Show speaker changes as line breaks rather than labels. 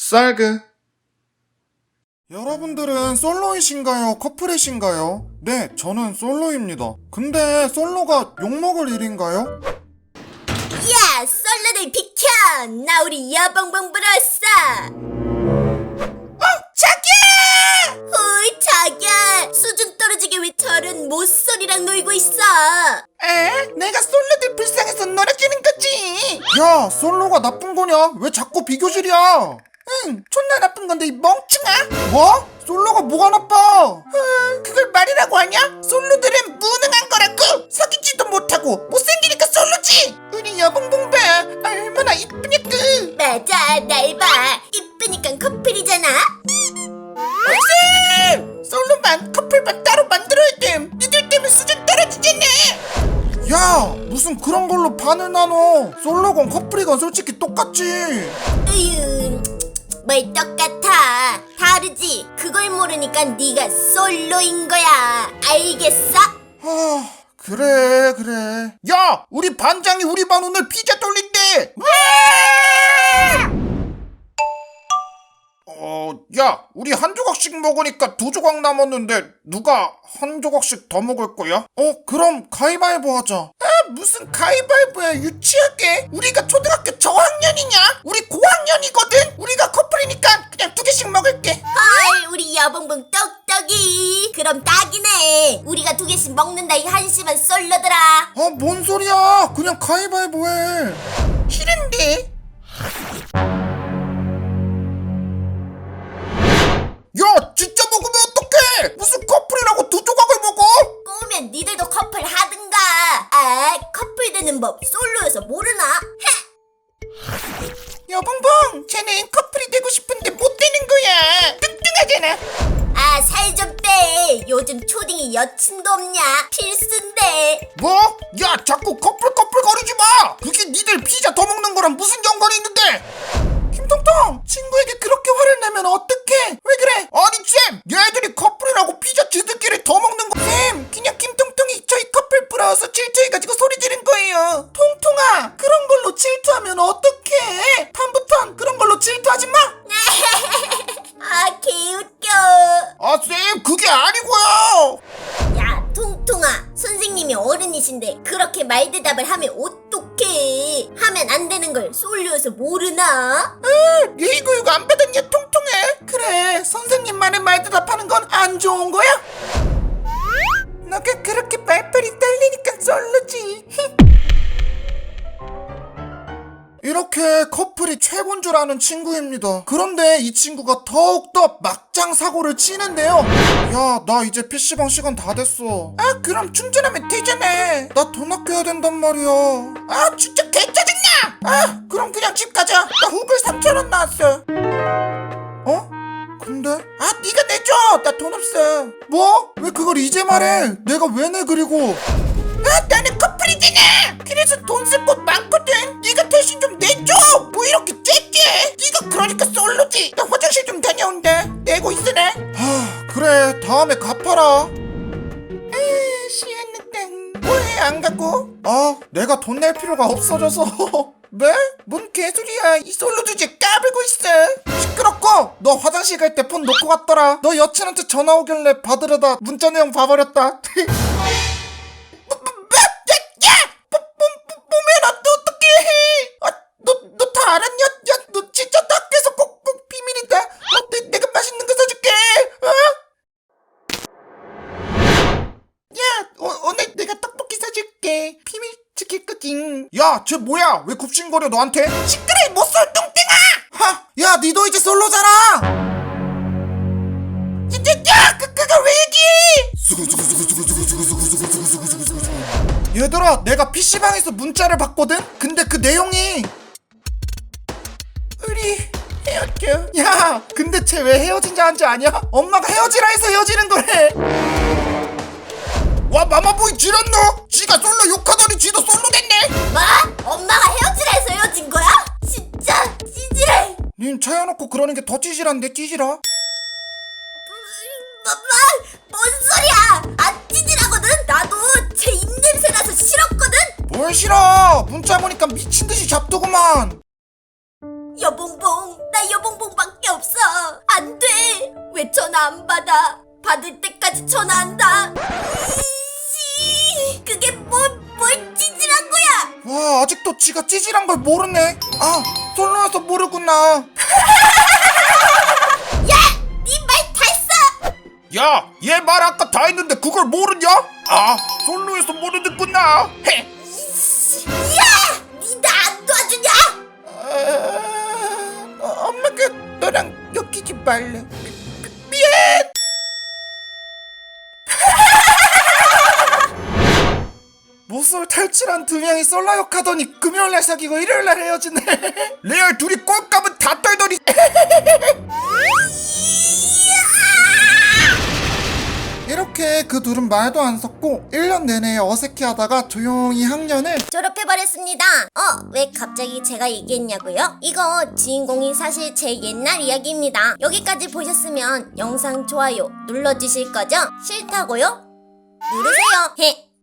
쌀그. 여러분들은 솔로이신가요? 커플이신가요? 네, 저는 솔로입니다. 근데 솔로가 욕먹을 일인가요?
야, 솔로들 비켜! 나 우리 여봉봉 보러 왔어! 자기야! 어이, 자기야! 수준 떨어지게 왜 저런 모쏠이랑 놀고 있어?
내가 솔로들 불쌍해서 놀아주는 거지.
야, 솔로가 나쁜 거냐? 왜 자꾸 비교질이야?
응, 존나 나쁜 건데 이 멍청아.
뭐? 솔로가 뭐가 나빠?
그걸 말이라고 하냐? 솔로들은 무능한 거라고. 사귀지도 못하고 못생기니까 솔로지. 우리 여봉봉봐 얼마나 이쁘냐고.
맞아, 날 봐. 이쁘니까 커플이잖아?
쌤! 솔로만 커플만 따로 만들어야 됨. 니들 때문에 수준 떨어지겠네.
야, 무슨 그런 걸로 반을 나눠. 솔로건 커플이건 솔직히 똑같지.
으유, 뭘 똑같아. 다르지? 그걸 모르니까 네가 솔로인 거야. 알겠어?
그래. 야, 우리 반장이 우리 반 오늘 피자 돌린대. 야, 우리 한 조각씩 먹으니까 2조각 남았는데 누가 한 조각씩 더 먹을 거야? 그럼 가위바위보 하자.
무슨 가위바위보야 유치하게. 우리가 초등학교 저학년이냐? 우리 고학년이거든. 우리가 커플이니까 그냥 2개씩 먹을게.
헐, 우리 여봉봉 똑똑이. 그럼 딱이네. 우리가 2개씩 먹는다 이 한심한 솔로들아.
뭔 소리야. 그냥 가위바위보 해.
싫은데.
야, 진짜 먹으면 어떡해. 무슨 커플이라고 2조각을 먹어?
꼬우면 니들도 커플 하든가. 커플 되는 법 솔로여서 모르나?
여봉봉, 쟤는 커플이 되고 싶은데 못 되는 거야. 뚱뚱하잖아.
살 좀 빼. 요즘 초딩이 여친도 없냐? 필수인데.
뭐? 야, 자꾸 커플 거리지 마. 그게 니들 피자 더 먹는 거랑 무슨 연관이 있는데?
김통통, 친구에게 그렇게 화를 내면 어떡해? 왜 그래?
아니 쌤, 얘들이 커플이라고 피자 지들끼리 더 먹는 거.
쌤, 그냥 김통통이 저희 커플 부러워서 질투해가지고 소리 지른 거예요. 통통아, 그런 걸로 질투하면 어떡해? 다음부턴 그런 걸로 질투하지 마.
개웃겨.
쌤, 그게 아니고요.
야, 통통아. 선생님이 어른이신데 그렇게 말대답을 하면 어떡해. 하면 안 되는 걸 솔로여서 모르나?
예의교육 안 받았냐, 통통해? 그래, 선생님 말에 말대답하는 건 안 좋은 거야? 너가 그렇게 말빨이 떨리니까 솔로지.
이렇게 커플이 최고인 줄 아는 친구입니다. 그런데 이 친구가 더욱더 막장 사고를 치는데요. 야, 나 이제 PC방 시간 다 됐어.
그럼 충전하면 되잖아.
나 돈 아껴야 된단 말이야.
진짜 개짜증나. 그럼 그냥 집 가자. 나 후불 3,000원 나왔어.
근데?
네가 내줘. 나 돈 없어.
뭐? 왜 그걸 이제 말해? 내가 왜 내 그리고?
나는 커플이잖아. 그래서 돈 쓸 곳 많거든. 네가 대신 좀 내줘. 뭐 이렇게 째게. 네가 그러니까 솔로지. 나 화장실 좀 다녀온다. 내고 있으래.
그래, 다음에 갚아라.
시원하다. 뭐해 안 가고?
내가 돈 낼 필요가 없어져서.
뭐? 뭔 개소리야. 이 솔로 주제 까불고 있어.
시끄럽고, 너 화장실 갈 때 폰 놓고 갔더라. 너 여친한테 전화 오길래 받으려다 문자 내용 봐버렸다.
보면 어떡해. 너 다 알았냐? 야, 너 진짜 학교에서 꼭 비밀이다. 내가 맛있는 거 사줄게. 야, 오늘 내가 떡볶이 사줄게. 비밀 지킬 거지.
야, 쟤 뭐야? 왜 굽신거려 너한테?
시끄러 이 못쏠 똥땡아.
야, 니도 이제 솔로잖아.
야, 그걸 왜 얘기해?
얘들아, 내가 PC방에서 문자를 받거든? 근데 그 내용이
우리 헤어져.
야, 근데 쟤 왜 헤어진자 한지 아냐? 엄마가 헤어지라 해서 헤어지는 거래. 와, 마마보이 지렸노? 지가 솔로 욕하더니 지도 솔로 됐네.
뭐? 엄마가 헤어지라 해서 헤어진 거야? 진짜 찌질해.
님 차여놓고 그러는 게 더 찌질한데, 찌질아?
뭔 소리야? 안 찌질하거든? 나도 제 입냄새 나서 싫었거든?
뭘 싫어? 문자 보니까 미친듯이 잡두구만.
여봉봉, 나 여봉봉밖에 없어. 안 돼. 왜 전화 안 받아? 받을 때까지 전화한다. 이씨, 그게 뭘 찌질한 거야?
와, 아직도 지가 찌질한 걸 모르네. 아, 솔로여서 모르구나.
네 말 다 했어.
야, 얘 말 아까 다 했는데 그걸 모르냐? 아, 솔로여서 모르는구나. 헤.
야, 니 나 안 도와주냐?
엄마가 너랑 엮이지 말래. 모쏠 탈출한 두 명이 솔라욕 하더니 금요일날 사귀고 일요일날 헤어지네. 레알 둘이 꼴값은 다 떨더니. 이렇게 그 둘은 말도 안 섞고 1년 내내 어색해하다가 조용히 학년을
졸업해버렸습니다. 왜 갑자기 제가 얘기했냐고요? 이거 주인공이 사실 제 옛날 이야기입니다. 여기까지 보셨으면 영상 좋아요 눌러주실 거죠? 싫다고요? 누르세요. 헤.